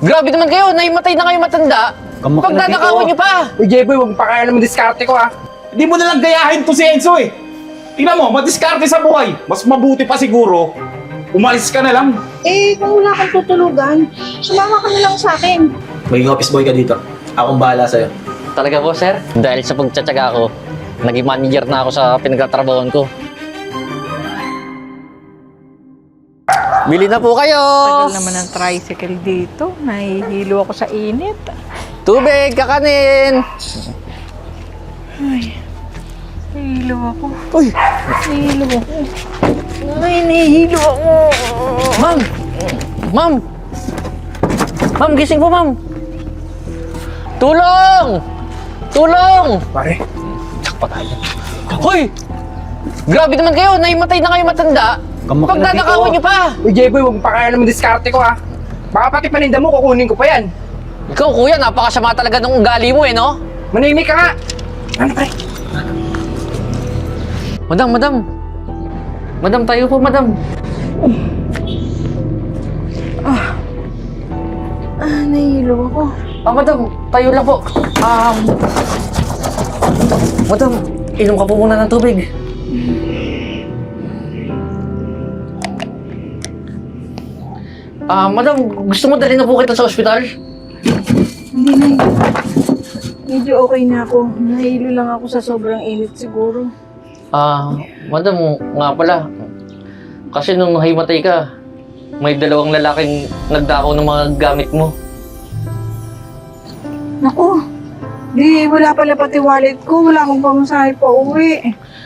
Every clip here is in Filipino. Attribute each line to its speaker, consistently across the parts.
Speaker 1: Grabe naman kayo, naimatay na kayo matanda. Pagdadakawan niyo pa.
Speaker 2: Uy, Jeboy, huwag pa kaya naman diskarte ko, ha?
Speaker 3: Hindi mo nalang gayahin to si Enzo eh. Tingnan mo, madiskarte sa buhay. Mas mabuti pa siguro, umalis ka na lang.
Speaker 4: Eh, kung wala kang tutulugan, sumama ka na lang sa akin.
Speaker 5: Maging office boy ka dito. Akong bahala sa'yo.
Speaker 1: Talaga po, sir? Dahil sa pagtsatsaga ko, naging manager na ako sa pinagtatrabahoan ko. Bili na po kayo!
Speaker 4: Tagal naman ang tricycle dito. Nahihilo ako sa init.
Speaker 1: Tubig, kakanin!
Speaker 4: Ay, nahihilo ako.
Speaker 1: Uy!
Speaker 4: Nahihilo ako. Ay, nahihilo ako.
Speaker 1: Ma'am! Ma'am! Ma'am, gising po, ma'am! Tulong! Tulong!
Speaker 2: Pare,
Speaker 1: Hoy! Grabe naman kayo, naimatay na kayo matanda. Pagdadakawan niyo pa.
Speaker 2: Uy, Jeboy, huwag pa kaya naman diskarte ko, ha? Baka pati paninda mo, kukunin ko pa yan.
Speaker 1: Ikaw, kuya, napakasama talaga ng ugali mo eh, no?
Speaker 2: Manahimik ka nga. Ano, pare?
Speaker 1: Madam, madam. Madam, tayo po, madam.
Speaker 4: Nahihilo ako.
Speaker 1: Madam, tayo lang po. Madam, inom ka po muna ng tubig. Madam, gusto mo dalhin na po kita sa ospital?
Speaker 4: Hindi na. Medyo okay na ako. Nahihilo lang ako sa sobrang init siguro.
Speaker 1: Madam, nga pala. Kasi nung nahimatay ka, may dalawang lalaking nagdakaw ng mga gamit mo.
Speaker 4: Naku, wala pala pati wallet ko. Wala akong pamasahe pa uwi.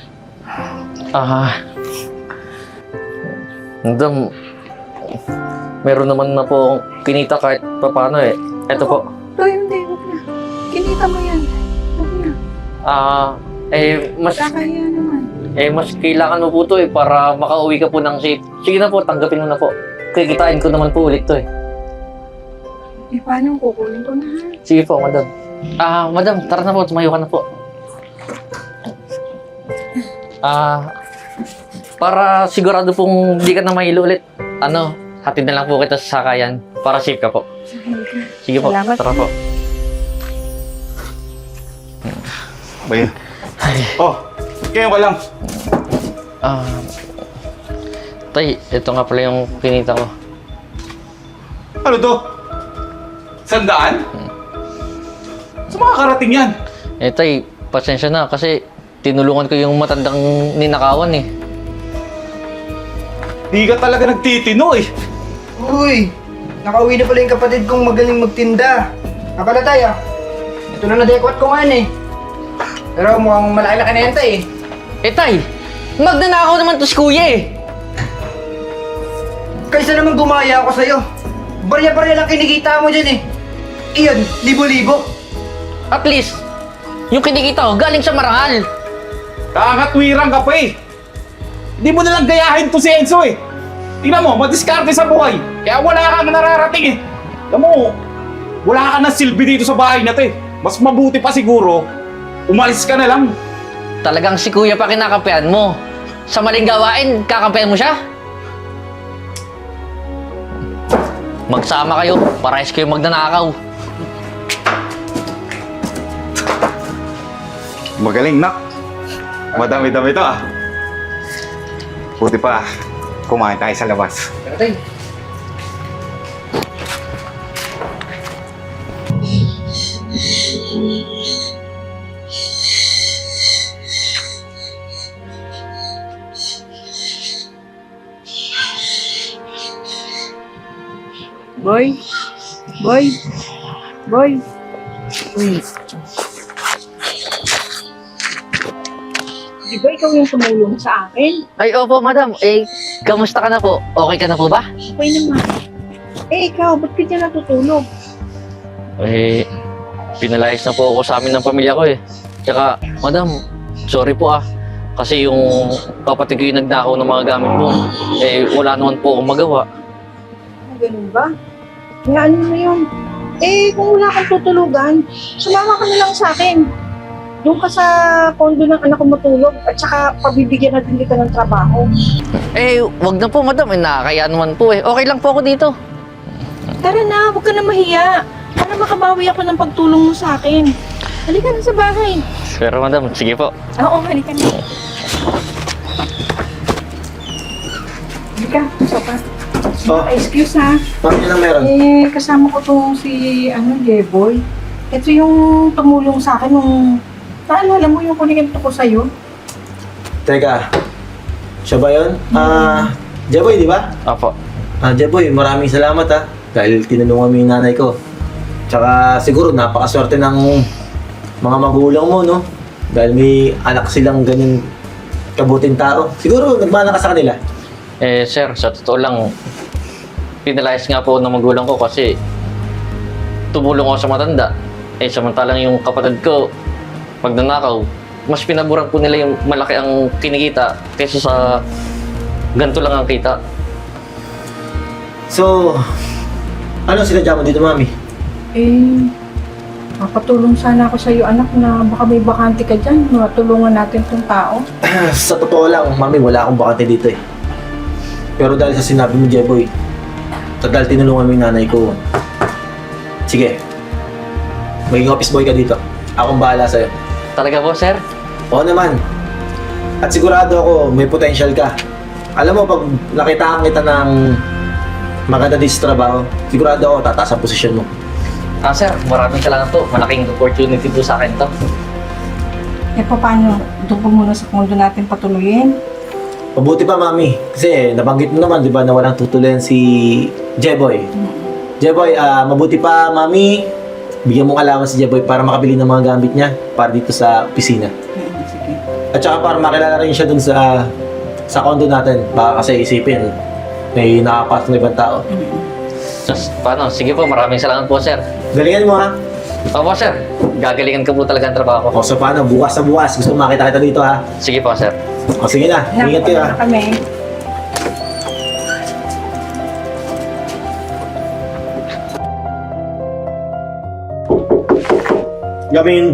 Speaker 1: Madam, meron naman na po kinita kahit paano eh. Eto po.
Speaker 4: Hindi, huwag na. Kinita mo yan. Huwag na. Kakahiya naman.
Speaker 1: Mas kailangan mo po to eh para makauwi ka po ng safe. Sige na po, tanggapin mo na po. Kikitain ko naman po ulit to eh.
Speaker 4: Paano kukunin ko na?
Speaker 1: Sige po, madam. Madam, tara na po, tumayo ka na po. Para sigurado pong hindi ka na mahilo ulit, hatid na lang po kita sa sakayan para safe ka po. Sige po,
Speaker 4: Salamat.
Speaker 1: tara po.
Speaker 3: Bayan. Oh, kayo ka lang.
Speaker 1: Tay, ito nga pala yung kinita ko.
Speaker 3: Ano to? 100? Sa mga karating yan.
Speaker 1: Tay, pasensya na kasi tinulungan ko yung matandang ninakawan eh.
Speaker 3: Di ka talaga nagtitino eh.
Speaker 2: Uy, nakauwi na pala yung kapatid kong magaling magtinda. Napala tayo. Ito na nadekwat ko nga eh. Pero mukhang malaki-laki na yan, tay.
Speaker 1: Tay, magnanakaw naman to si kuya eh.
Speaker 2: Kaysa naman gumaya ako sa'yo. Barya-barya lang kinikita mo dyan eh. Iyan, libo-libo.
Speaker 1: At least, yung kinikita ko galing sa marangal.
Speaker 3: Kakatwirang ka pa eh. Hindi mo nalang gayahin to si Enzo eh. Tingnan mo, madiskarte sa buhay. Kaya wala kang nararating eh. Alam mo, wala ka na silbi dito sa bahay na to eh. Mas mabuti pa siguro, umalis ka na lang.
Speaker 1: Talagang si kuya pa kinakampihan mo. Sa maling gawain, kakampihan mo siya? Magsama kayo, parehas kayo magnanakaw.
Speaker 3: Magaling, nak. Madami-dami to ah. Buti pa, kumain tayo sa labas.
Speaker 2: Pero tay,
Speaker 4: Boy? Boy? Boy? Uy. Di ba ikaw yung tumulong sa akin?
Speaker 1: Ay, opo, madam. Kamusta ka na po? Okay ka na po ba?
Speaker 4: Okay naman. Ikaw, ba't ka dyan natutulog?
Speaker 1: Pinalayas na po ako sa amin ng pamilya ko eh. Tsaka, madam, sorry po ah. Kasi yung kapatid ko yung nagdakaw ng mga gamit mo, wala naman po akong magawa.
Speaker 4: Ganun ba? Nga ano na yun? Kung wala kang tutulugan, sumama ka na lang sa akin. Doon ka sa condo ng anak ko matulog at saka pabibigyan natin kita ng trabaho.
Speaker 1: Wag na po, madam. Nakakaya naman po eh. Okay lang po ako dito.
Speaker 4: Tara na, huwag ka na mahiya. Para makabawi ako ng pagtulong mo sa akin. Halika na sa bahay.
Speaker 1: Pero madam, sige po.
Speaker 4: Oo, halika na. Halika, sopa.
Speaker 5: Oh,
Speaker 4: Excuse ha.
Speaker 5: bakit lang meron?
Speaker 4: Kasama ko tong si, Jeboy. Ito yung tumulong sa akin nung, naalala mo yung kuninto ko sa'yo?
Speaker 5: Teka, siya ba yun? Jeboy, di ba?
Speaker 1: Opo.
Speaker 5: Jeboy, maraming salamat dahil tinulungan mo yung nanay ko. Tsaka siguro napakaswerte ng mga magulang mo, no? Dahil may anak silang ganyan kabuting tao. Siguro nagmana ka sa kanila.
Speaker 1: Sir, sa totoo lang, pinalayas nga po ng magulang ko kasi tumulong ako sa matanda. Samantalang yung kapatid ko, pag nanakaw, mas pinaburan po nila yung malaki ang kinikita kaysa sa ganito lang ang kita.
Speaker 5: So, ano sinadya mo dito, mami?
Speaker 4: Mapatulong sana ako sa'yo, anak, na baka may bakante ka dyan. Matulungan natin tong tao.
Speaker 5: Sa totoo lang, mami, wala akong bakante dito eh. Pero dahil sa sinabi mo, Jeboy, dahil tinulungan mo yung nanay ko, sige, maging office boy ka dito. Akong bahala sa'yo.
Speaker 1: Talaga po, sir?
Speaker 5: Oo naman. At sigurado ako, may potential ka. Alam mo, pag nakitaan kita ng maganda dito sa trabaho, sigurado ako, tataas ang posisyon mo.
Speaker 1: Sir, maraming salamat po. Malaking opportunity po sa akin to.
Speaker 4: Paano? Doon ko muna sa kondo natin patuloyin.
Speaker 5: Mabuti pa, mami. Kasi nabanggit mo naman, di ba, na walang tutuloyan si Jeboy. Jeboy, mabuti pa, mami. Bigyan mong alaman si Jeboy para makabili ng mga gamit niya para dito sa opisina.
Speaker 4: Sige.
Speaker 5: At saka para makilala rin siya dun sa condo natin. Baka kasi isipin, may nakapasok na ibang tao.
Speaker 1: Paano? Sige po, maraming salamat po, sir.
Speaker 5: Galingan mo, ha?
Speaker 1: Opo, sir. Gagalingan ko po talaga ang trabaho ko.
Speaker 5: O, so paano? Bukas na bukas. Gusto mo makita kita dito, ha?
Speaker 1: Sige po, sir.
Speaker 5: O, sige na. Ingat kayo, ha?
Speaker 4: Kami.
Speaker 5: Gamin.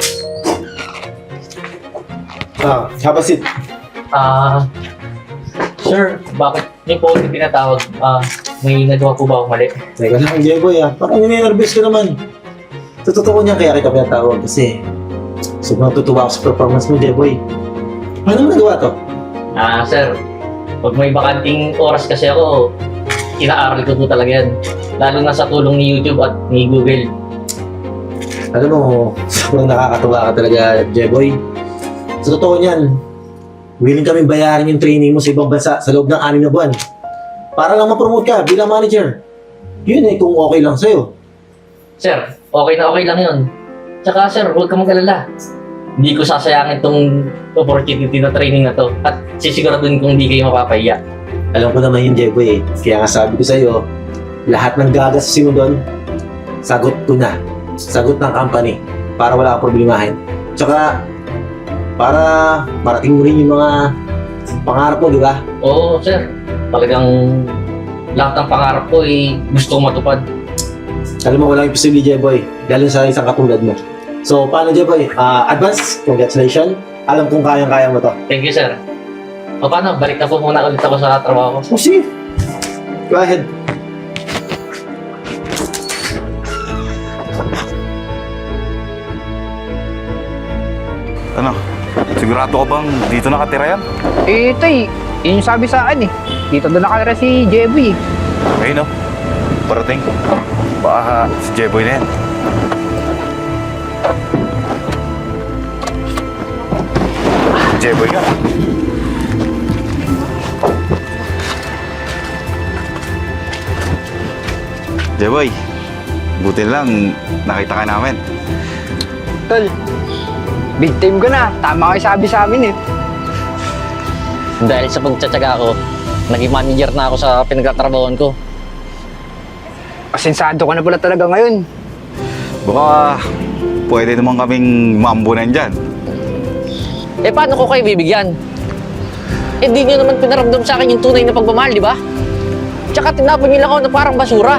Speaker 5: Have a seat.
Speaker 1: Sir, bakit niyo po yung tinatawag? May nagawa po ba akong mali?
Speaker 5: Teka lang, Jeboy, ha? Parang ninervous ka naman. Sa totoo niya, kaya kita pinatawag kasi sobrang tutuwa ako sa performance mo, Jeboy. Paano mo nagawa to?
Speaker 1: Sir, pag may bakanting oras kasi ako, inaaral ko po talaga yan. Lalo na sa tulong ni YouTube at ni Google.
Speaker 5: Alam mo, sobrang nakakatuwa ka talaga, Jeboy. Sa totoo niyan, willing kami bayaran yung training mo sa ibang bansa sa loob ng 6 na buwan. Para lang ma-promote ka bilang manager. Yun kung okay lang sa'yo.
Speaker 1: Sir, okay na okay lang yun. Tsaka sir, huwag ka mag-alala. Hindi ko sasayangin tong opportunity na training na to. At sisiguraduhin kong hindi kayo mapapahiya.
Speaker 5: Alam ko naman yun, Jeboy. Kaya nga sabi ko sa'yo, lahat ng gagastusin mo doon, sagot ko na. Sagot ng company para wala kang problemahin. Tsaka, para marating mo rin yung mga pangarap mo, di ba?
Speaker 1: Oo, sir. Talagang lahat ng pangarap ko gusto kong matupad.
Speaker 5: Alam mo, walang imposible, Jeboy. Lalo sa isang katulad mo. So, paano, Jeboy? Advance, congratulations. Alam kong kayang-kaya mo to.
Speaker 1: Thank you, sir. O paano, balik na po muna ulit ako sa trabaho ko.
Speaker 5: Oh, sige. Go ahead.
Speaker 3: Ano? Sigurado ka bang dito nakatira yan?
Speaker 2: Tay, yun yung sabi sa akin eh. Dito na nakatira si Jeboy eh.
Speaker 3: Ayun, no? Parating. Baka si Jeboy na yan. Jeboy ka. Jeboy, buti lang nakita ka namin.
Speaker 2: Tol, big time ko na. Tama kayo sabi sa amin eh.
Speaker 1: Dahil sa pagtsatsaga ko, naging manager na ako sa pinagtatrabahoan ko.
Speaker 2: Asensado ka na pala talaga ngayon.
Speaker 3: Baka pwede naman kaming maambunan dyan.
Speaker 1: Paano ko kayo bibigyan? Di nyo naman pinaramdam sa akin yung tunay na pagmamahal, di ba? Tsaka tinapon nyo lang ako na parang basura.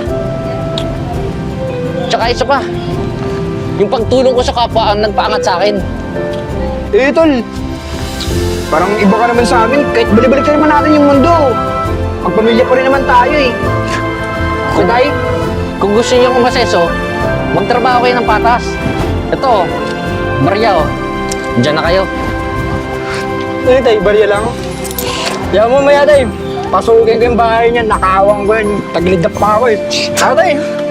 Speaker 1: Tsaka isa pa, yung pagtulong ko sa kapwa ang nagpaangat sa akin.
Speaker 2: Tol, parang iba ka naman sa amin. Kahit balik-balik ka naman natin yung mundo. Magpamilya pa rin naman tayo eh. So, Tay,
Speaker 1: Kung gusto niyo umaseso, magtrabaho kayo ng patas. Ito, barya oh. Diyan na kayo.
Speaker 2: Eh, tay, barya lang. Kaya mo maya, tay. Pasukin ko yung bahay niya, nakawang ko yun. Taglid na pa ako eh. Tay.